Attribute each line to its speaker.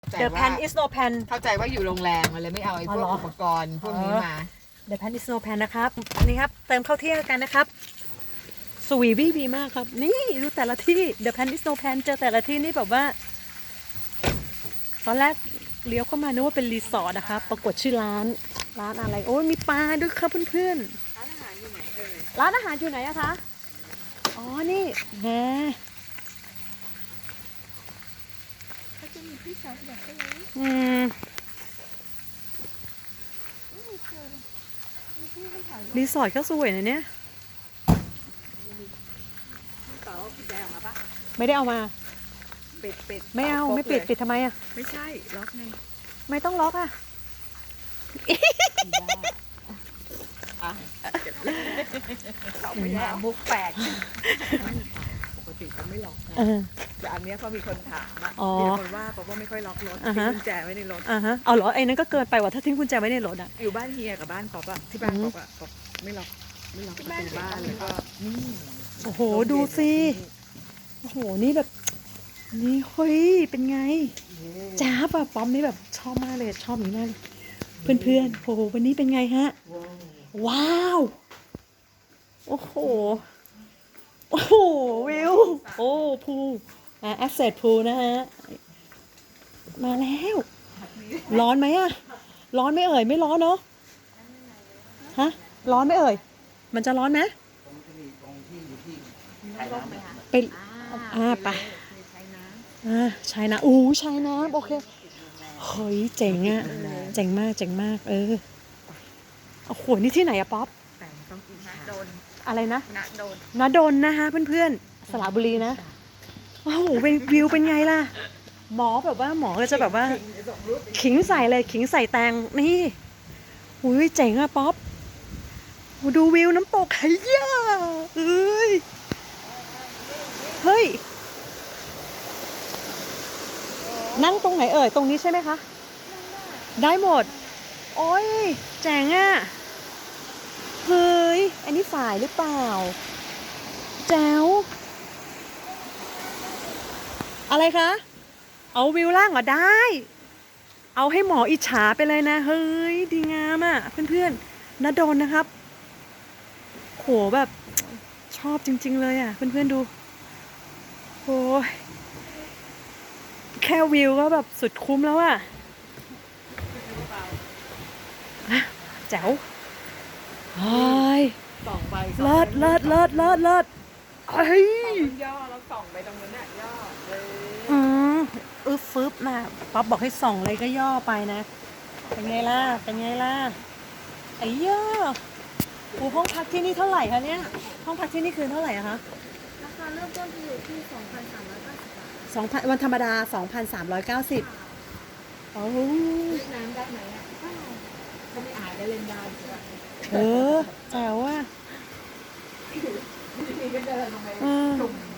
Speaker 1: The pan is no pan
Speaker 2: เข้าใจว่าอยู่โรงแรมมันเลยไม่เอาไอ้พวกอุปกรณ์พวกนี้มา
Speaker 1: The pan is no pan นะครับอันนี้ครับเติมข้าวเที่ยงกันนะครับสวีวีมากครับนี่ดูแต่ละที่ The pan is no pan เจอแต่ละที่นี่แบบว่าตอนแรกเลี้ยวเข้ามานึกว่าเป็นรีสอร์ทนะครับปรากฏชื่อร้านอะไรโอ้ยมีปลาด้วยครับเพื่อนๆร้านอาหารอยู่ไหนร้านอาหารอยู่ไหนอะคะอ๋อนี่แหมอืมรีสอร์ทก็สวยนะเนี่ยไม่ได้เอามา
Speaker 2: ปิด
Speaker 1: ไม่เอาไม่ปิดทำไมอะ
Speaker 2: ไม่ใช่ล็อกไง
Speaker 1: ไม่ต้องล็อกอะ
Speaker 2: เราไม่ได้มุกแปลกปกติเขาไม่ล็อกนะแต่อันนี้เขามีคนถามอะมีคนว่าเพราะว่าไม่ค่อยล็อกรถทิ้งกุญแจไว้ในรถ
Speaker 1: เอาเหรอไอ้นั้นก็เกินไปว่ะถ้าทิ้งกุญแจไว้ในรถอะ
Speaker 2: อยู่บ้านเฮียกับบ้านป๊อปอะที่บ้านป๊อปอะป๊อปไม่ล็อกประตูบ้านเลยก็
Speaker 1: โอ้โหดูสิโอ้โหนี่แบบนี่เฮ้ยเป็นไงจ้าป่ะป๊อปนี่แบบชอบมากเลยชอบนี้มากเลยเพื่อนโอ้โหวันนี้เป็นไงฮะว้าวโอ้โหวิวโอ้พูแอสเซทพูนะฮะมาแล้วร้อนไหมอะร้อนไม่เอ่ยไม่ร้อนเนาะฮะร้อนไม่เอ่ยมันจะร้อนไหมไปไปใช้น้ำใช้น้ำโอเคเฮ้ยเจ๋งอะเจ๋งมากโอ้โหนี่ที่ไหนอะป๊อปอะไรนะณดลนะคะเพื่อนๆสระบุรีนะโอ้โหวิวเป็นไงล่ะหมอแบบว่าหมอก็จะแบบว่าขิงใส่เลยขิงใส่แตงนี่หูยเจ๋งอะป๊อปดูวิวน้ำตกไฮย่าเฮ้ยนั่งตรงไหนเอ่ยตรงนี้ใช่ไหมคะได้หมดโอ้ยแจ๋งอะเฮ้ยอันนี้ฝ่ายหรือเปล่าแจ๋วอะไรคะเอาวิวล่างเหรอได้เอาให้หมออิจฉาไปเลยนะเฮ้ยดีงามอ่ะเพื่อนๆณดลนะครับโหแบบชอบจริงๆเลยอ่ะเพื่อนๆดูโอ้ยแค่วิวก็แบบสุดคุ้มแล้วอ่ะแจ๋วเฮ้ยเลิศเฮ้ย
Speaker 2: ย่อแล้วส่องไปตรงนั้นน่ะย่อ
Speaker 1: ฟึบนะป๊อปบอกให้ส่องเลยก็ย่อไปนะเป็นไงล่ะไอ้ย่อห้องพักที่นี่เท่าไหร่คะเนี่ยห้องพักที่นี่คืนเท่าไหร่อะคะ
Speaker 3: ราคาเริ่มต้นจะอยู่ที่ 2,390 บาท
Speaker 1: 2,000วันธรรมดา 2,390โอ้
Speaker 2: น้ำได้ไหมอ่ะก็ไม่อายได้เล่นได้
Speaker 1: แจ๋วอ่ะ
Speaker 2: นี่ก็เดินลงไปจุ่ม